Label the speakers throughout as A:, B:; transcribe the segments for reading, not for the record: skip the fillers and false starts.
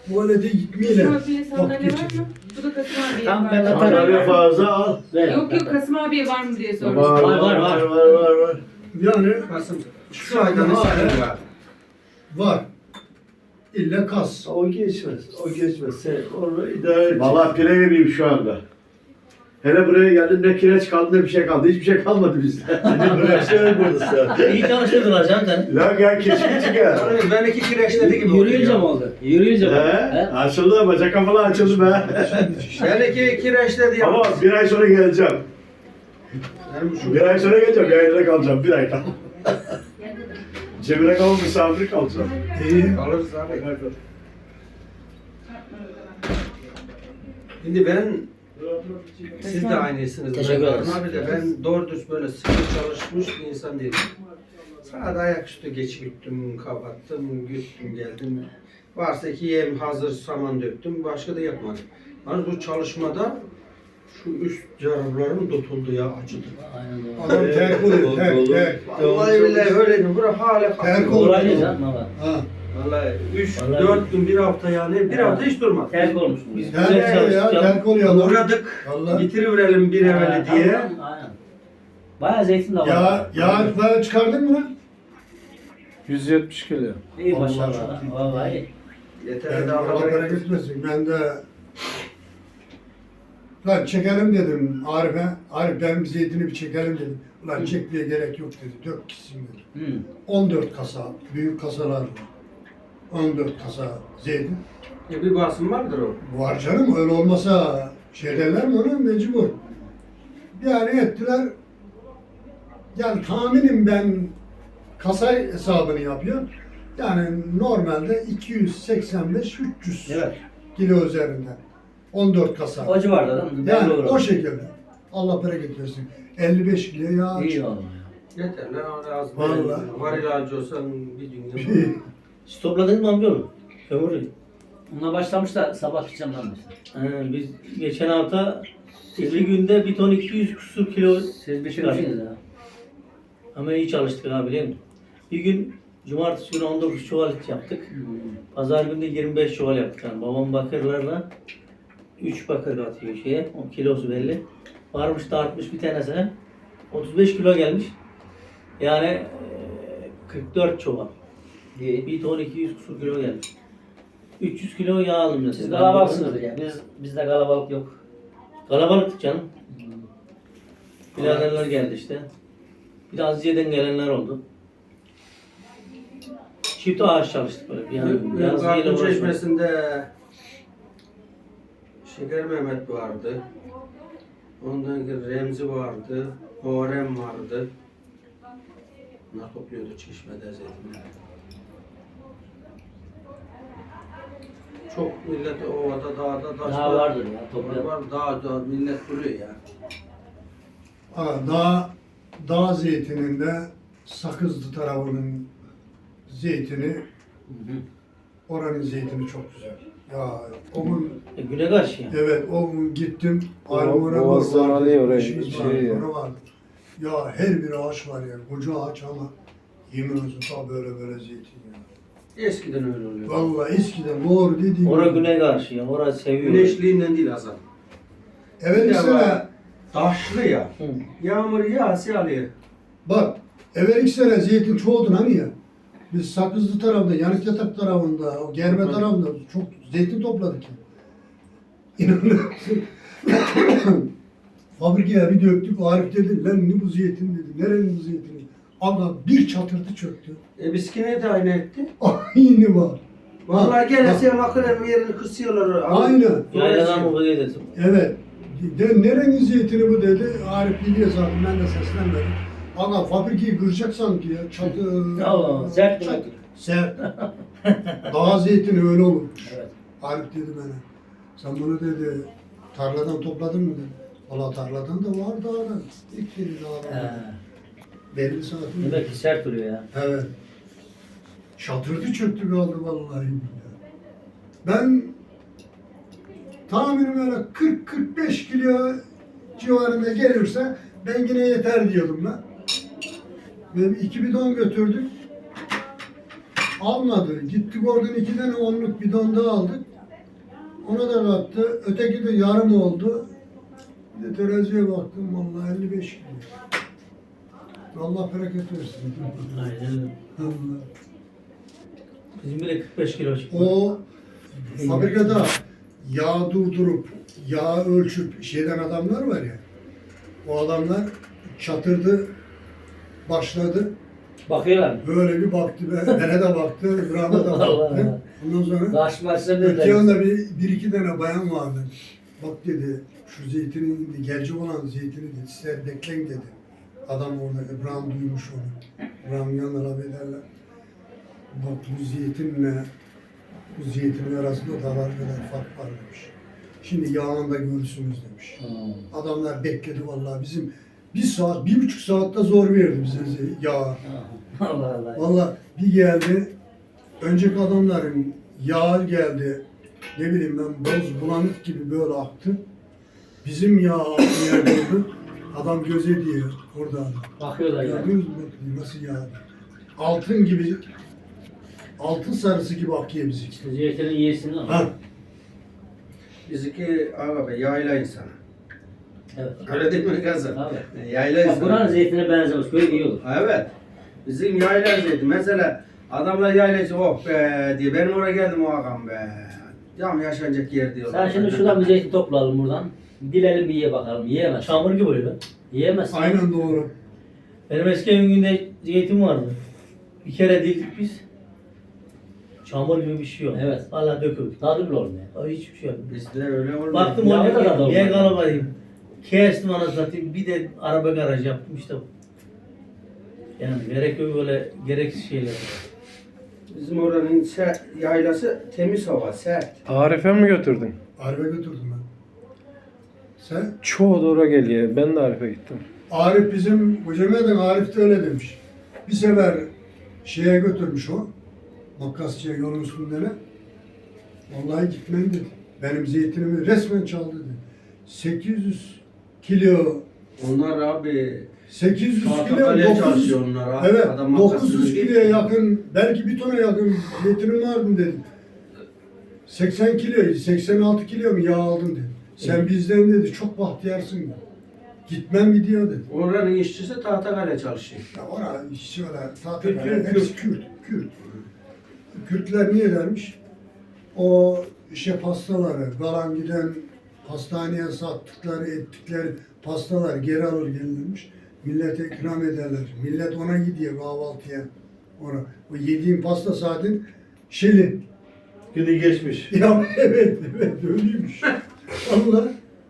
A: Tuvalete gitmeyle.
B: Kasım abiye sandalye var mı? Bu da Kasım abiye
C: Tamam,
B: var.
C: ben atarım.
D: Sandalye fazla al.
B: Yok yok Kasım abiye var mı diye sordum.
D: Var.
A: Yani
E: Kasım.
A: şu anda hala var. İlle kas.
D: O geçmez. O geçmez. Sen onu idare et. Valla pire gibiyim şu anda. Hele buraya geldim ne kireç kaldı ne bir şey kaldı. Hiçbir şey kalmadı bizde. Buraya şey burası.
C: İyi çalıştırdılar canım seni.
D: La gel keçi gel.
E: Ben iki kireçledi gibi
C: Yürüyünce mi oldu? Yürüyünce mi?
D: He? Açıldı bacak kafalar açıldı be.
E: Ben iki kireçledi
D: Ama bir ay sonra geleceğim. Bir ay sonra geleceğim. Yayında kalacağım. Bir ay kalacağım. Cebine kalan misafir kalacağım.
A: İyi.
E: Alırız abi. Şimdi siz de aynısınız.
C: Teşekkür ederiz.
E: Abi de ben doğru düz böyle sıkı çalışmış bir insan değilim. Sadece ayaküstü geçirttim, kapattım, güttüm, geldim. Varsa ki yem hazır saman döktüm, başka da yapmadım. Yalnız bu çalışmada şu üst yarablarım tutuldu ya, acıdı.
C: Aynen doğru.
A: Adam terk oluyor. Terk.
E: Vallahi billahi öyleydim, bura hala
A: Terk
E: kalktı.
A: oluyor.
C: Uğraşacağız canım valla.
A: Ha.
E: Vallahi 3-4
C: Vallahi-
E: gün, bir hafta yani, bir hafta hiç durmadı.
C: Terk olmuş bu. Biz
A: Terk
C: güzel
A: oluyor ya.
C: çalıştık.
A: Terk oluyor adam.
E: Uğradık,
A: Vallahi.
E: bitiriverelim bir evveli diye.
C: Tamam, aynen. Bayağı zeytin de var.
A: Yağ çıkardın mı lan?
F: 170 kilo.
C: İyi
A: Allah
C: maşallah.
A: çok iyi.
C: Vallahi iyi.
E: Yeter
A: Ben
E: de
A: Allah
E: Allah'a
A: bereket etmesin. Ben de lan çekelim dedim Arif'e. Arif benim zeytini bir çekelim dedim. Ulan çekmeye gerek yok dedi. Dök gitsin dedi. 14 kasa, büyük kasalar var. 14 kasa zeytin.
E: Bir basım vardır o.
A: Var canım, öyle olmasa şey derler mi ona, mecbur. Yani ettiler. Yani tahminim ben kasa hesabını yapıyor. Yani normalde 285-300
C: Evet.
A: kilo üzerinde. 14 kasa.
C: O civarda değil mi?
A: Yani
C: Belli olur.
A: o şekilde. Allah bereket versin. 55 kilo yağ.
C: İyi vallahi.
E: Yeter lan öyle az.
A: Vallahi.
E: Var ilacı olsan bir dünya.
C: Siz topladınız mı amcaoğlu? Kömürü. Bununla başlamış da sabah gideceğim lan biz. Biz geçen hafta 50 günde 1 ton 200 küsur kilo siz biçmişsiniz ya. Ama iyi çalıştık abi biliyor musun? Bir gün cumartesi günü 19 çuval yaptık. Pazar günü de 25 çuval yaptık. Yani babam bakırlarla 3 bakır atıyor şeye. O kilosu belli. Varmış da artmış bir tanesine. 35 kilo gelmiş. Yani 44 çuval. 1 ton 200 küsur kilo gelmiş. 300 kilo yağ aldım mesela.
G: Siz kalabalıksınız ya. Bizde kalabalık yok.
C: Kalabalıktık canım. Biraderler geldi işte. Bir de Azize'den gelenler oldu. Çift ağaç çalıştık böyle. Yani yazgıyla
E: Karpuz
C: uğraşmadık.
E: Çeşmesi'nde Şeker Mehmet vardı. Ondan sonra Remzi vardı. Horem vardı. Bunlar topluyordu çeşmede zeytinleri. Çok millet ovada, dağda, taşta.
G: Daha vardır ya, toplayan.
E: Var, dağ, millet duruyor ya.
A: Dağ zeytininde Sakızlı tarafının zeytini, oranın zeytini çok güzel. Ya onun
C: Güne karşı ya.
A: evet o gün gittim Armora
F: Boğazdan alıyor orayı,
A: işimiz
F: şey
A: vardı,
F: ya.
A: orada vardı. Ya her bir ağaç var yani koca ağaç ama yemin olsun ta böyle zeytin ya.
E: Eskiden öyle oluyor.
A: Vallahi eskiden doğru dediğim
C: Ora
A: gibi.
C: güne karşı ya. Ora seviyor.
E: Güneşliğinden değil Hasan.
A: Evet
E: Bir de
A: sene
E: var, taşlı ya.
C: Hı.
E: Yağmur yağsa alıyor.
A: bak evvel sene zeytin çoğuldun hani ya. Biz Sakızlı tarafında, Yanık tarafında, o Germe tarafında çok zeytin topladık ya. İnanır mısın? Fabrikaya bir döktük, Arif dedi, lan ne bu zeytin dedi, nerenin bu zeytini? Ama bir çatırtı çöktü.
E: Biskine de aynı etti.
A: Aynı var.
E: Vallahi gelirse makinenin yerini kısıyorlar.
A: Aynen.
C: Yayladan mı bu diye dedim.
A: Evet. De, nerenin zeytini bu dedi. Arif biliyor zaten, ben de seslenmedim. Ama fabrikayı kıracak sanki ya, çatı...
C: Allah, sert mi?
A: Sert. Dağ zeytini öyle olur.
G: Evet.
A: Arif dedi bana. Sen bunu dedi, tarladan topladın mı dedi. Valla tarladan da var dağdan. İlk kere dağdan. Belli saati.
C: Demek ki sert duruyor ya.
A: Evet. Çatırdı çöktü kaldı vallahi. billahi. Ben tahminim öyle 40-45 kilo civarında gelirse ben yine yeter diyordum ben. Ve 2 bidon götürdük. Almadı. Gittik oradan 2 tane 10'luk bidon daha aldık. Ona da kattı. Öteki de yarım oldu. Bir de teraziye baktım vallahi 55 kilo. Allah bereket versin.
C: Aynen öyle.
A: Allah.
C: Bizim bile 45 kilo çıktı.
A: O fabrikada yağ durdurup, yağ ölçüp şeyden adamlar var ya. O adamlar çatırdı, başladı.
G: Bakıyorlar.
A: Böyle bir baktı, bana da baktı, İbrahim'e de
G: Allah
A: baktı.
G: Allah.
A: Ondan sonra
G: Taş maçta
A: öte
G: ne
A: yanda bir iki tane bayan vardı. Bak dedi, şu zeytini, gerçek olan zeytini dedi, size bekleyin dedi. Adam orada, İbrahim duymuş onu. İbrahim yanına laf ederler. Bak bu zeytinle, bu zeytinin arasında dağlar kadar fark var demiş. Şimdi yağında görürsünüz demiş. Adamlar bekledi vallahi bizim 1,5 saatte zor verdi bize yağı.
G: Allah Allah.
A: Vallahi bir geldi, önceki adamların yağı geldi, ne bileyim ben boz bulanık gibi böyle aktı. Bizim yağ aktı yerde oldu. Adam göze diye orada.
G: Bakıyorlar yani.
A: Gördünüz mü nasıl yağ? Altın gibi, altın sarısı gibi akıyor bizimki.
G: Zeytinin iyisini al.
A: Ha,
E: Bizimki abi yayla insanı.
G: Evet.
E: Öyle değil mi kızım?
G: Abi.
E: Yayla
G: Bak buranın
E: insanı.
G: zeytine benzemez. Böyle iyi olur.
E: Evet. Bizim yayla zeytin. Mesela adamlar yaylacı oh be diye. Benim oraya geldim o ağam be. Cam yaşanacak yer diyorlar.
G: Sen şimdi şuradan bir zeytin toplayalım buradan. Dilelim bir ye bakalım. Yiyemez.
C: Çamur gibi oluyor lan.
G: Yiyemezsin.
A: aynen doğru.
C: Benim eski evimde zeytin vardı. Bir kere diktik biz. Çamur gibi bir şey yok.
G: Evet.
C: Valla döküldük.
G: Tadı bile olmuyor.
C: Ay hiçbir şey yok.
E: Bizde öyle olmuyor.
C: Baktım
G: Ya
C: oraya
G: o da
C: da niye
G: olmaz.
C: kalabalıyım. Kestim anasını satayım. Bir de araba garaj yaptım işte. Yani gerek yok böyle gereksiz şeyler.
E: Bizim oranın yaylası temiz hava, sert.
F: Arif'e mi götürdün?
A: Arif'e götürdüm ben. Sen?
F: Çoğu da oraya geliyor. Ben de Arif'e gittim.
A: Arif bizim hocam Arif de öyle demiş. Bir sefer şeye götürmüş o. Makkasçıya yolun üstünde. Vallahi gitmem dedi. Benim zeytinimi resmen çaldı dedi. 800 kilo,
E: Onlar abi
A: 800 kilo,
E: Tahtakale'ye
A: 900,
E: çalışıyor onlar abi.
A: evet,
E: Adam
A: 900
E: makasını
A: kiloya yakın, belki bir tona yakın zeytinim vardı dedi. 80 kilo, 86 kilo mu yağ aldım dedi. Sen bizden dedi, çok bahtiyarsın dedi. Gitmem gidiyor dedi.
E: Oranın işçisi Tahtakale çalışıyor.
A: Ya orada işçi öyle,
E: Kürt,
A: tahtakale,
E: Kürt,
A: hepsi Kürt. Kürtler niye dermiş? O pastaları, kalan giden pastaneye sattıkları, ettikleri pastalar geri alır gelirmiş. Millete ikram ederler. Millet ona gidiyor kahvaltıya. Ona. O yediğin pasta zaten şeli.
D: Günü geçmiş.
A: Ya evet öyleymiş. Allah.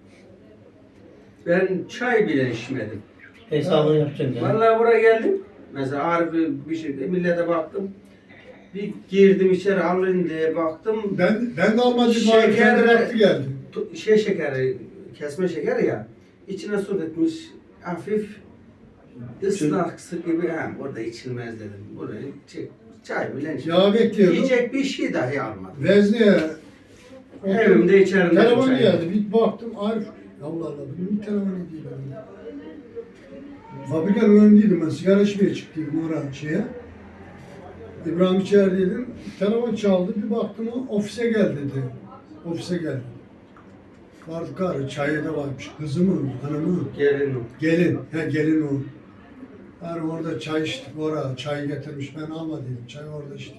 E: Ben çay bile içmedim.
C: Hesabını yapacaksın yani.
E: Vallahi buraya geldim. Mesela Arif'e bir şey, millete baktım. Bir girdim içeri alayım diye baktım.
A: Ben de almadım. Kendi baktı geldi.
E: Şekeri, kesme şeker ya. İçine su dökmüş. Hafif ıslak gibi. Ha, burada içilmez dedim. Burayı çay bile içmedim.
A: Ya bekliyordum.
E: Yiyecek bir şey dahi almadım.
A: Vezne'ye
E: Evimde içerim.
A: telefon
E: çayı.
A: geldi. Bir baktım Arif. Allah Allah benim telefon değil. Fabrikanın önündeydim ben. Sigara içmeye çıktıydım oraya şeye. İbrahim içerideydim. Telefon çaldı. Bir baktım o ofise gel dedi. Ofise gel. Vardı karı. Çayı da varmış. Kızı mı? Hanımı mı?
E: Gelin o.
A: Gelin. He gelin o. Yani orada çay içtik. Oraya çay getirmiş. Ben almadıydım. Çay orada içtik.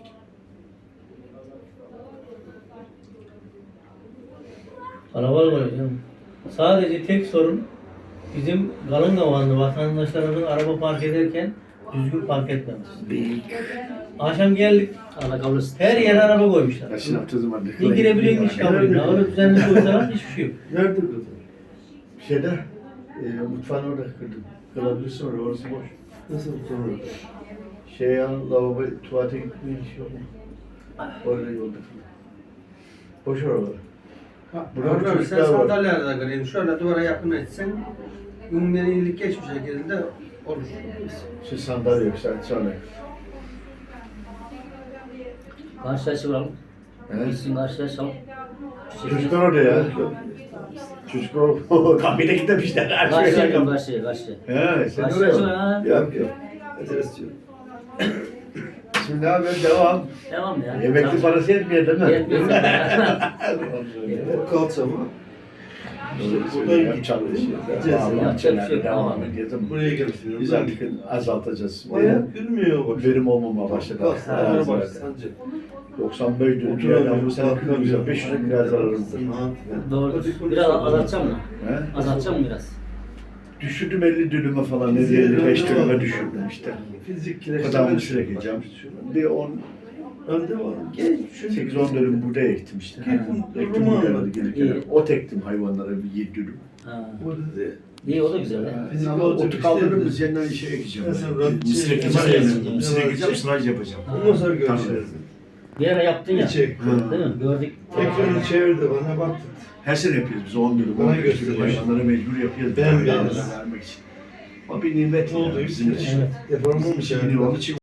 C: Kalabalık oluyor canım. Sadece tek sorun bizim kalın kavanlı vatandaşlarımızın araba park ederken düzgün park etmemiz. Akşam geldik,
G: Allah kabul etsin.
C: her yere araba koymuşlar.
D: Yaşın yaptığımız var.
C: Bir girebiliyor hiç kabul etmiyor. Öyle düzenli koysalar hiçbir şey yok.
D: Nerede kırdın? Şeyde, mutfağın orada kırdım. Kırabilirsin orada, orası boş. Nasıl mutfağın orada? Lavabo, tuvalete gitmeyin iş yok mu? Orada yolda kırdım. Boş oralar. Burada
E: Burada sen
D: çocuklar var.
E: sandalyelerde kırayım. Şöyle duvara yakın etsen ümumiyeli iyilik geçmiş şekilde olur.
D: Şu sandalye yok, sen sonra.
G: Karşılaştıralım.
D: Evet.
G: Gitsin karşılaşalım.
D: Çocuklar orada ya. Çocuklar o kafede gitmişler.
G: Karşılaşalım karşıya.
D: He, sen
G: Karşılaşalım
D: oraya
G: ha.
D: bak. Yok yok. Adres yok. Şimdi abi devam.
G: Devam ya.
D: Emekli parası yetmiyor değil mi?
G: Yetmiyor.
D: Hep kalça mı? İşte
H: Buradayım
D: buradayım
H: çalışıyor.
D: Gideceğiz.
C: Yapacak bir şey yok.
H: Devam
C: Tamam.
H: edeceğiz.
D: Buraya getiriyorum.
H: Biz artık azaltacağız.
D: Ayak yürümüyor bak.
H: Verim olmama başladı.
D: Kalsana
H: Arazilerde.
D: bak sence.
H: 95 dönüm yerden bu sene güzel 500 lira zararım.
C: Doğru. Biraz azaltacağım mı?
H: He?
C: Azaltacağım mı biraz?
H: Düşürdüm 50 dönüme falan, 55 dönüme düşürdüm işte.
D: Fizik
H: Kadavını sürekeceğim. Bir 10,
D: Önde var. Gel şöyle.
H: 8-10 dönüm buğday ektim işte.
D: Ektim,
H: Ektim
D: durumu
H: buğdayları
D: anladım.
H: gelirken.
C: İyi.
H: Ot ektim hayvanlara bir 7 dönüm.
C: Ha.
D: Bu dedi.
C: İyi o da güzel. He.
D: Fizik
H: Ama
D: olacak
H: otu
D: işte
H: kaldırırım,
D: dedi.
H: biz yeniden şey ekeceğim.
D: Mesela
H: Mısır
D: şey-
H: ekeceğim,
C: Mısır
H: ekeceğim, sıraj yapacağım.
D: Ondan sonra görüşürüz.
C: Bir ara yaptın ya.
D: Bir çek.
C: Değil mi? Gördük.
D: Ekranı çevirdi bana baktı.
H: Her sene yapıyoruz biz 10 dönüm.
D: Bana
H: 15 dönüm
D: gösteriyor.
H: hayvanlara mecbur yapıyoruz.
D: Ben
H: Bir
D: beğendim.
H: vermek için. O bir nimet
D: Ne oldu?
H: yani bizim için.
C: Evet.
D: Deformu mu
H: Şimdi onun için